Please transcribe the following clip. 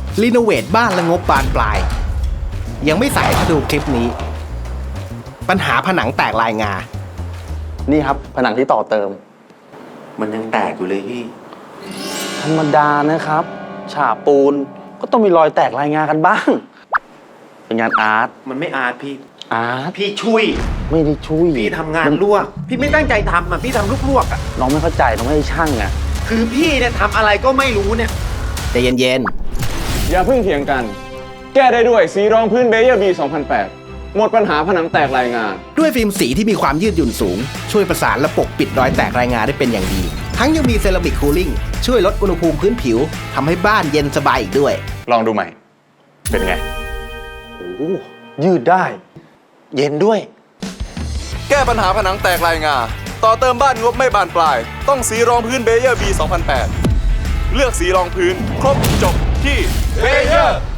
รีโนเวทบ้านและงบบานปลาย ยังไม่สายถ้าดูคลิปนี้ ปัญหาผนังแตกลายงานี่ครับผนังที่ต่อเติมมันยังแตกอยู่เลยพี่ธรรมดานะครับฉาบปูนก็ต้องมีรอยแตกลายงากันบ้าง เป็นงานอาร์ตมันไม่อาร์ตพี่อาร์ตพี่ช่วยไม่ได้ช่วยพี่ทำงานลวก พี่ไม่ตั้งใจทำอ่ะ พี่ทำลวกๆอ่ะน้องไม่เข้าใจน้องไม่ได้ช่างไงคือพี่เนี่ยทำอะไรก็ไม่รู้เนี่ยใจเย็นอย่าเพิ่งเถียงกัน แก้ได้ด้วยสีรองพื้นเบเยอร์บี 2008 หมดปัญหาผนังแตกลายงาๆ ด้วยฟิล์มสีที่มีความยืดหยุ่นสูง ช่วยประสานและปกปิดรอยแตกรายงาได้เป็นอย่างดี ทั้งยังมีเซรามิกคูลิ่งช่วยลดอุณหภูมิพื้นผิวทำให้บ้านเย็นสบายอีกด้วยลองดูใหม่ เป็นไงโอ้ยืดได้ เย็นด้วยแก้ปัญหาผนังแตกลายงา ต่อเติมบ้านงบไม่บานปลาย ต้องสีรองพื้นเบเยอร์บี 2008 เลือกสีรองพื้น ครบจบที่เบเยอร์